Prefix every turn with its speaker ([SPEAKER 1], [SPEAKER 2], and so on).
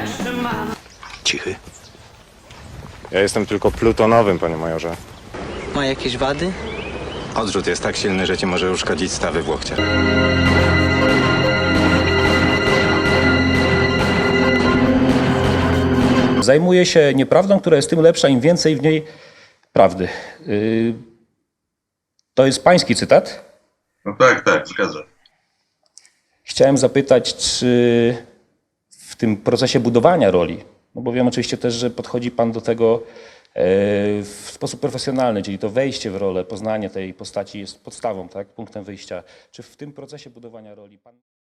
[SPEAKER 1] Cichy.
[SPEAKER 2] Ja jestem tylko plutonowym, panie majorze.
[SPEAKER 3] Ma jakieś wady?
[SPEAKER 1] Odrzut jest tak silny, że ci może uszkodzić stawy w łokciach.
[SPEAKER 4] Zajmuje się nieprawdą, która jest tym lepsza, im więcej w niej prawdy. To jest pański cytat.
[SPEAKER 5] No tak, tak, zgadza.
[SPEAKER 4] Chciałem zapytać, czy w tym procesie budowania roli, no bo wiem oczywiście też, że podchodzi pan do tego w sposób profesjonalny, czyli to wejście w rolę, poznanie tej postaci jest podstawą, tak, punktem wyjścia. Czy w tym procesie budowania roli pan...